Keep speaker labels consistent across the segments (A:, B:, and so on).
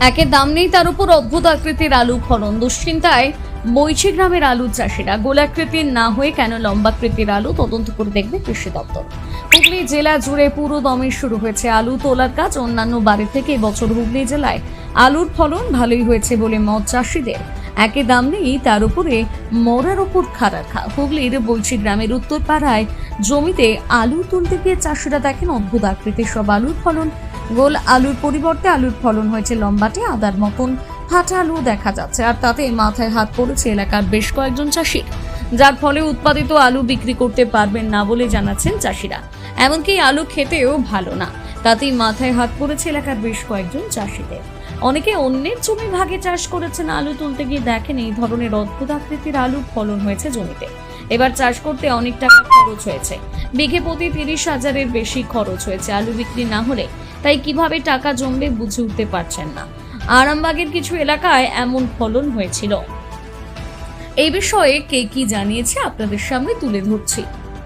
A: একের দাম নেই, তার উপর অদ্ভুত আকৃতির আলু ফলন। দুশ্চিন্তায় বৈশি গ্রামের আলু চাষিরা। গোলাকৃতির না হয়ে কেন লম্বাকৃতির আলু, তদন্ত করে দেখবে কৃষি দপ্তর। হুগলি জেলা জুড়ে পুরো দমে শুরু হয়েছে আলু তোলার কাজ। অন্যান্য বাড়ি থেকে এবছর হুগলি জেলায় আলুর ফলন ভালোই হয়েছে বলে মত চাষিদের। একে দাম নেই, তার উপরে মরার উপর খারাখা। হুগলির বৈশি গ্রামের উত্তর পাড়ায় জমিতে আলু তুলতে গিয়ে চাষিরা দেখেন অদ্ভুত আকৃতির সব আলুর ফলন। গোল আলুর পরিবর্তে আলুর ফলন হয়েছে লম্বাটে আদার মতন ফাটা আলু দেখা যাচ্ছে, আর তাতে মাথায় হাত পড়েছে এলাকার বেশ কয়েকজন চাষির, যার ফলে উৎপাদিত আলু বিক্রি করতে পারবেন না বলে জানাচ্ছেন চাষিরা। এমনকি আলু খেতেও ভালো না, তাতেই মাথায় হাত পড়েছে এলাকার বেশ কয়েকজন চাষিদের। অনেকে অন্যের জমি ভাগে চাষ করেছেন, আলু তুলতে গিয়ে দেখেন এই ধরনের অদ্ভুত আকৃতির আলুর ফলন হয়েছে জমিতে। এবার চাষ করতে অনেক টাকা খরচ হয়েছে, বিঘে প্রতি 30,000-এর বেশি খরচ হয়েছে আলু বিক্রি না হলে। তাই কিভাবে টাকা জমবে বুঝে উঠতে পারছেন না। আরামবাগের কিছু এলাকায় এমন ফলন হয়েছিল। এই বিষয়ে কে কি জানিয়েছে আপনাদের সামনে তুলে ধরছি।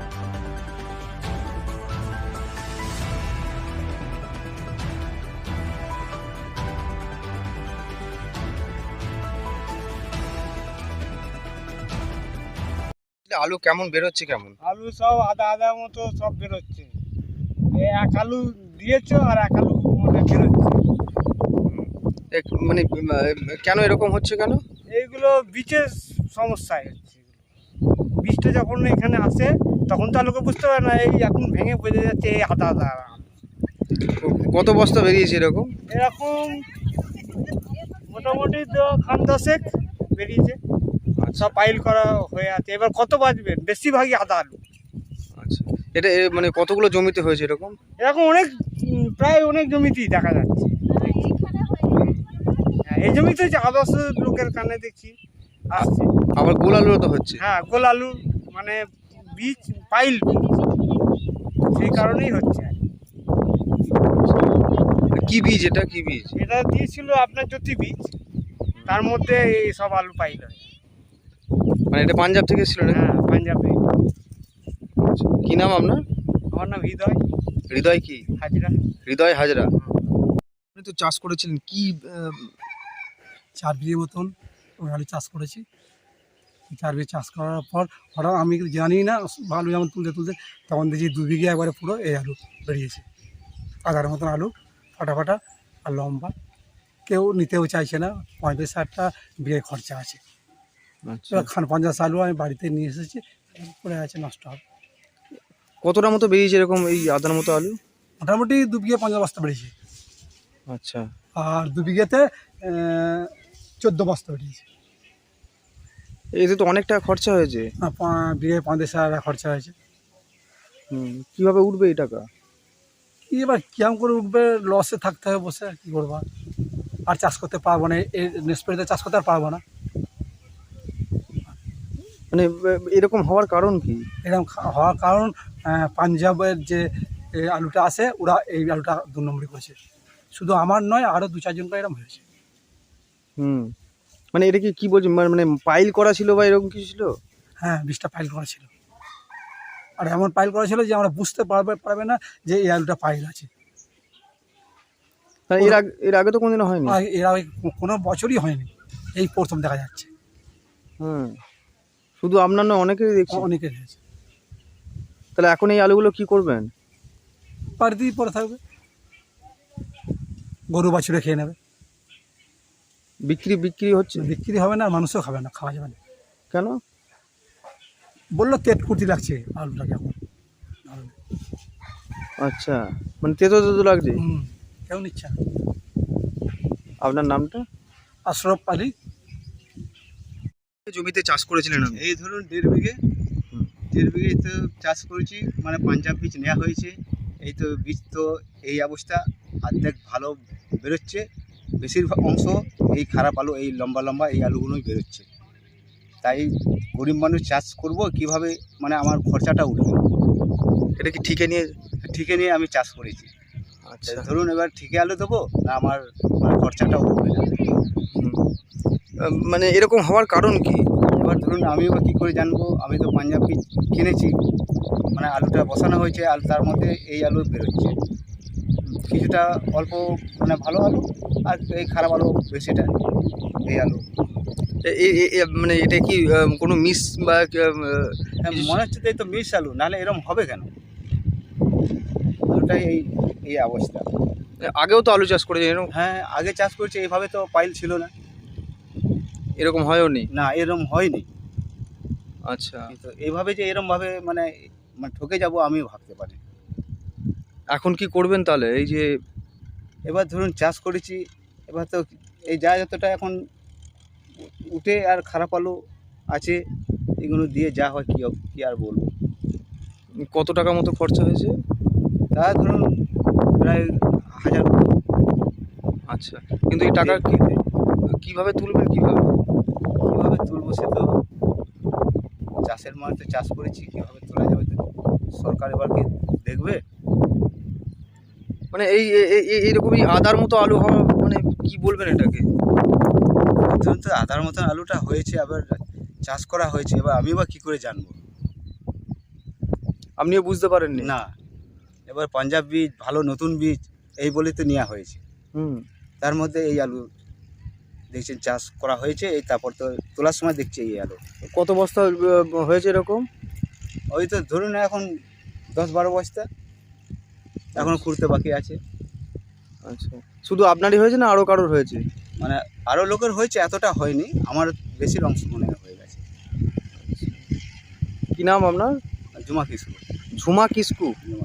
B: আলু কেমন বেরোচ্ছে? কেমন
C: আলু সব আদা আদা মতো সব বেরোচ্ছে। এক আলু দিয়েছো আর এক আলু মানে বেরোচ্ছে।
B: মানে কেন এরকম হচ্ছে কেন?
C: এইগুলো বীজের সমস্যায় হচ্ছে। বীজটা যখন এখানে আসে তখন তো আলুকে বুঝতে পারে না, এই এখন ভেঙে বোঝা যাচ্ছে এই আদা আদা।
B: কত বস্তা বেরিয়েছে এরকম?
C: এরকম মোটামুটি খান 10 বেরিয়েছে, সব পাইল করা হয়ে আছে। এবার কত বাঁচবেন? বেশিরভাগই আদা আলু।
B: আচ্ছা, এটা মানে কতগুলো জমিতে হয়েছে এরকম?
C: এরকম অনেক প্রায় অনেক জমিতেই দেখা যাচ্ছে। হ্যাঁ, এই জমিতে যে আদর্শ লোকের কানে দেখছি আসছে।
B: আবার গোল আলুও তো হচ্ছে।
C: হ্যাঁ, গোল আলু মানে বীজ পাইল বীজ, সেই কারণেই হচ্ছে।
B: কি বীজ এটা? কি বীজ
C: এটা দিয়েছিল আপনার জ্যোতি বীজ, তার মধ্যে এই সব আলু পাইল হয়।
B: মানে এটা পাঞ্জাব থেকে ছিল না?
C: হ্যাঁ, পাঞ্জাবে।
B: কি নাম আপনার?
C: আমার নাম হৃদয়
B: হৃদয় কি
C: হাজরা।
B: হৃদয় হাজরা। আপনি তো চাষ করেছিলেন, কি
D: 4 বিঘে মতন ওই আলু চাষ করেছি। 4 বিঘে চাষ করার পর হঠাৎ আমি জানি না, আলু যেমন তুলতে তুলতে তখন দেখি 2 বিঘে একবারে পুরো এই আলু বেরিয়েছে। আদার মতন আলু, ফাটা ফাটা আর লম্বা। কেউ নিতেও চাইছে না, 35-60টা বিঘে খরচা আছে।
B: আচ্ছা,
D: এবার খান 50 আলু আমি বাড়িতে নিয়ে এসেছি, পড়ে আছে, নষ্ট হবে।
B: কতটা মতো বেরিয়েছে এরকম এই আদার মতো আলু?
D: মোটামুটি 2 বিঘে 50 বস্তা বেরিয়েছে।
B: আচ্ছা,
D: আর 2 বিঘেতে 14 বস্তা বেরিয়েছে।
B: এতে তো অনেক টাকা খরচা হয়েছে।
D: বিঘে 35,000 টাকা খরচা হয়েছে।
B: কিভাবে উঠবে এই টাকা?
D: কি এবার কেমন করে উঠবে? লসে থাকতে হবে বসে, আর কী করবো? আর চাষ করতে পারবো না, এই স্প্রেতে চাষ করতে আর পারবো না।
B: মানে এরকম হওয়ার কারণ কি?
D: এরকম হওয়ার কারণ পাঞ্জাবের যে আলুটা আসে, ওরা এই আলুটা 2 নম্বরই করেছে। শুধু আমার নয়, আরও 2-4 জনকে এরকম হয়েছে।
B: মানে এটা কি বলছি, মানে পাইল করা ছিল বা এরকম কিছু ছিল?
D: হ্যাঁ, 20টা পাইল করা ছিল। আর এমন পাইল করা ছিল যে আমরা বুঝতে পারবে না যে এই আলুটা পাইল আছে।
B: এর আগে তো কোনোদিনও হয়নি?
D: আর এর আগে কোনো বছরই হয়নি, এই প্রথম দেখা যাচ্ছে।
B: শুধু আপনার নয়, অনেকেই দেখছি।
D: অনেকের হয়েছে।
B: তাহলে এখন এই আলুগুলো কি করবেন?
D: বাড়িতেই পড়ে থাকবে, গরু বাছুরে খেয়ে নেবে।
B: বিক্রি হচ্ছে?
D: বিক্রি হবে না, আর মানুষও খাবে না, খাওয়া যাবে না।
B: কেন?
D: বললো তেত কুর্তি লাগছে আলুটাকে এখন।
B: আচ্ছা, মানে তেতো তেতো লাগছে।
D: কেউ নিচ্ছে না।
B: আপনার নামটা?
D: আশরফ আলী।
B: জমিতে চাষ করেছিলেন আপনি?
C: এই ধরুন 1.5 বিঘে, 1.5 বিঘে তো চাষ করেছি। মানে পাঞ্জাব বীজ নেওয়া হয়েছে। এই তো বীজ তো এই অবস্থা, অর্ধেক ভালো বেরোচ্ছে, বেশিরভাগ অংশ এই খারাপ আলু, এই লম্বা লম্বা এই আলুগুলোই বেরোচ্ছে। তাই গরিব মানুষ চাষ করব কিভাবে, মানে আমার খরচাটা উঠবে।
B: এটা কি ঠিকে নিয়ে
C: আমি চাষ করেছি।
B: আচ্ছা,
C: ধরুন এবার ঠিকে আলু দেবো না, আমার মানে খরচাটা উঠবে না।
B: মানে এরকম হওয়ার কারণ কি?
C: এবার ধরুন আমিও বা কী করে জানবো? আমি তো পাঞ্জাব বীজ কিনেছি, মানে আলুটা বসানো হয়েছে, আর তার মধ্যে এই আলু বেরোচ্ছে। কিছুটা অল্প মানে ভালো আলু, আর এই খারাপ আলু বেশিটা এই আলু।
B: মানে এটা কি কোনো মিস বা
C: হ্যাঁ, মনে হচ্ছে তো এই তো মিস আলু, নাহলে এরকম হবে কেন? আলুটাই এই এই অবস্থা।
B: আগেও তো আলু চাষ করেছে এরকম
C: হ্যাঁ, আগে চাষ করছে এইভাবে তো পাইল ছিল না,
B: এরকম হয়ও নি?
C: না এরকম হয়নি।
B: আচ্ছা,
C: কিন্তু এইভাবে যে এরমভাবে মানে মানে ঠকে যাব আমিও ভাবতে পারি।
B: এখন কি করবেন তাহলে? এই যে
C: এবার ধরুন চাষ করেছি, এবার তো এই যা যতটা এখন উঠে আর খারাপ আলু আছে, এগুলো দিয়ে যা হয় কি আর বলবো।
B: কত টাকা মতো খরচা হয়েছে?
C: তা ধরুন প্রায় 1000
B: আচ্ছা, কিন্তু এই টাকা কিভাবে তুলবেন কিভাবে?
C: কীভাবে তুলবো সে তো চাষের মাঠে চাষ করেছি, কীভাবে তোলা যাবে তো সরকার এবার কি দেখবে।
B: মানে এইরকমই আদার মতো আলু হওয়া মানে কি বলবেন এটাকে?
C: ধরুন তো আদার মতন আলুটা হয়েছে, আবার চাষ করা হয়েছে, এবার আমি বা কী করে জানবো?
B: আপনিও বুঝতে পারেননি?
C: না, এবার পাঞ্জাব বীজ ভালো নতুন বীজ এই বলেই তো নেওয়া হয়েছে,
B: হুম।
C: তার মধ্যে এই আলু দেখছেন চাষ করা হয়েছে, এই তারপর তো তোলার সময় দেখছি এই আলু।
B: কত বস্তা হয়েছে এরকম?
C: ওই তো ধরুন এখন 10-12 বস্তা এখনও খুঁড়তে বাকি আছে।
B: আচ্ছা, শুধু আপনারই হয়েছে না আরও কারোর হয়েছে?
C: মানে আরও লোকের হয়েছে, এতটা হয়নি, আমার বেশির অংশ মনে হয় হয়ে গেছে।
B: কি নাম আপনার?
C: জুমা কিশোর।
B: ঝুমা কিসকু।
C: জুমা।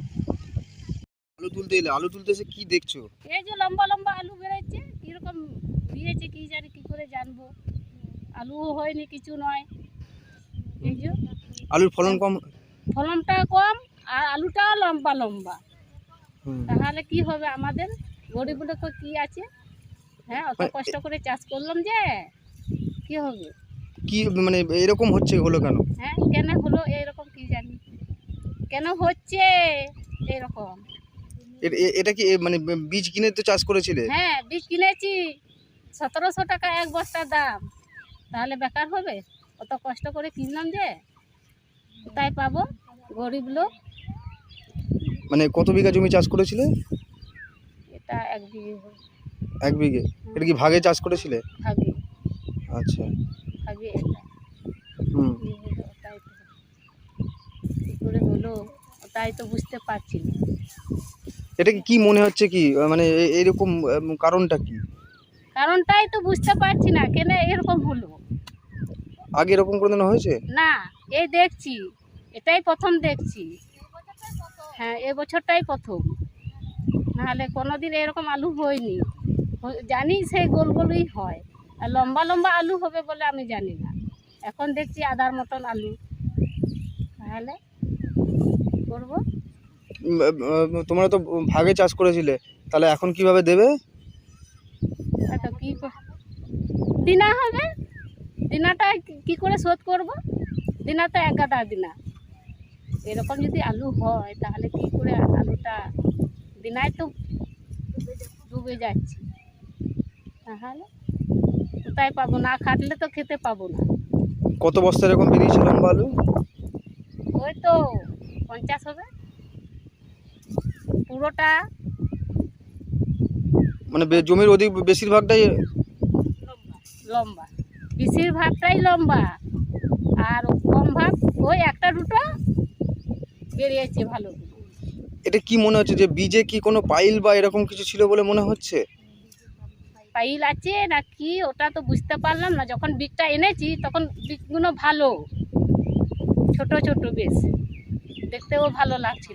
B: আলু তুলতে এসে কি দেখছো?
E: এই যে লম্বা লম্বা আলু বেরোচ্ছে, কিরকম দিয়েছে কি জানি, কি করে জানবো? আলুও হয়নি, কিছু নয়। এই যে
B: আলুর ফলন কম?
E: ফলনটা কম আর আলুটাও লম্বা লম্বা,
B: হুম।
E: তাহলে কি হবে আমাদের গরিব লোক কি আছে? হ্যাঁ, অত কষ্ট করে চাষ করলাম যে কি হবে?
B: কি মানে এরকম হচ্ছে হলো কেন?
E: হ্যাঁ, কেন হলো এরকম কি জানি, কেন হচ্ছে এরকম?
B: এটা কি মানে বীজ কিনে তো চাষ করেছিলে?
E: হ্যাঁ, বীজ কিনেছি, 1700 টাকা এক বস্তার দাম, তাহলে বেকার হবে? অত কষ্ট করে কিনলাম যে কোথায় পাবো? গরিব লোক।
B: মানে কত বিঘা জমি চাষ করেছিলে?
E: এটা 1 বিঘে হবে।
B: 1 বিঘে? এটা কি ভাগে চাষ করেছিলে?
E: ভাগে
B: আচ্ছা।
E: ভাগে এটা
B: হুম।
E: কি হলো, ওটাই তো কি করে হলো ওটাই তো বুঝতে পারছি না।
B: এটা কি মনে হচ্ছে কি মানে এরকম কারণটা কি?
E: কারণটাই তো বুঝতে পারছি না, কেন এরকম হলো।
B: আগে এরকম কোনোদিন হয়েছে?
E: না, এই দেখছি, এটাই প্রথম দেখছি। হ্যাঁ, এ বছরটাই প্রথম, নাহলে কোনোদিন এরকম আলু হয়নি। জানি সেই গোল গোলই হয়, আর লম্বা লম্বা আলু হবে বলে আমি জানি না। এখন দেখছি আদার মতন আলু, তাহলে কি করবো?
B: তোমরা তো ভাগে চাষ করেছিলে, তাহলে এখন কিভাবে দেবে?
E: তো কি দিনা হবে, দিনাটা কি করে শোধ করব? দিনা তো এক গাদা দিনা, এরকম যদি আলু হয় তাহলে কি করে আলুটা দিনায় তো ডুবে যাচ্ছে, তাহলে কোথায় পাবো? না খাটলে তো খেতে পাবো না।
B: কত বস্তা এরকম বেরিয়েছিল লম্বা আলু?
E: ওই তো 50 হবে পুরোটা।
B: মানে জমির বেশিরভাগটাই
E: লম্বা, বেশিরভাগটাই লম্বা, আর কম ভাগ ওই একটা দুটো বেরিয়েছে ভালো।
B: এটা কি মনে হচ্ছে যে বীজে কি কোনো পাইল বা এরকম কিছু ছিল বলে মনে হচ্ছে?
E: পাইল আছে না কি ওটা তো বুঝতে পারলাম না। যখন বীজটা এনেছি তখন বীজগুলো ভালো, ছোট ছোট, বেশ দেখতেও ভালো লাগছিল।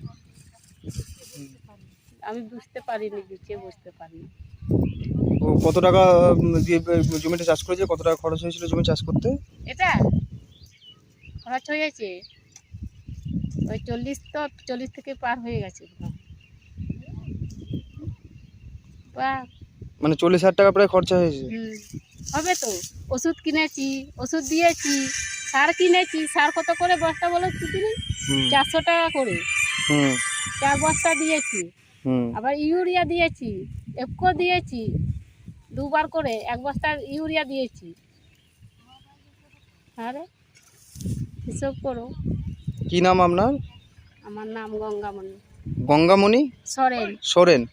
E: আমি বুঝতে পারিনি, বিচে বুঝতে পারিনি।
B: কত টাকা দিয়ে জমিটা চাষ করেছে? কত টাকা খরচ হয়েছিল জমি চাষ করতে?
E: এটা খরচ হয়েছে ওই 40 থেকে পার হয়ে গেছে। বাহ,
B: মানে 40,000 টাকা প্রায় খরচা হয়েছে।
E: হবে তো। ওষুধ কিনেছি, ওষুধ দিয়েছি, সার কিনেছি। সার কত করে বস্তা বলো তুমি? 400 টাকা করে 4 বস্তা দিয়েছি। আবার ইউরিয়া দিয়েছি, এফকো দিয়েছি, 2 বার করে 1 বস্তা ইউরিয়া দিয়েছি। আরে হিসাব করো।
B: কি নাম আপনার?
E: আমার নাম গঙ্গামণি।
B: গঙ্গামণি
E: সরেন।
B: সোরেন।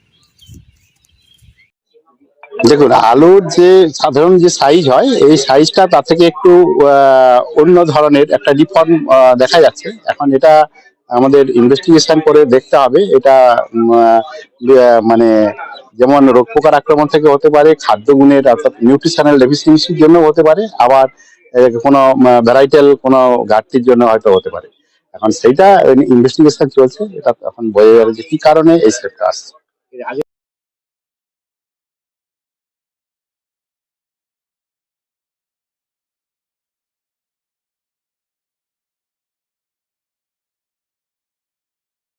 F: দেখুন, আলুর যে সাধারণ যে সাইজ হয় এই সাইজটা তার থেকে একটু অন্য ধরনের একটা ডিফর্ম দেখা যাচ্ছে। এখন এটা আমাদের ইনভেস্টিগেশন করে দেখতে হবে। এটা মানে যেমন রোগ পোকার আক্রমণ থেকে হতে পারে, খাদ্য গুণের অর্থাৎ নিউট্রিশনাল ডেফিসিয়েন্সির জন্য হতে পারে, আবার কোনো ভ্যারাইটাল কোনো ঘাটতির জন্য হয়তো হতে পারে। এখন সেইটা ইনভেস্টিগেশন চলছে, এটা এখন বোঝা যাবে যে কি কারণে এই স্টেপটা আসছে।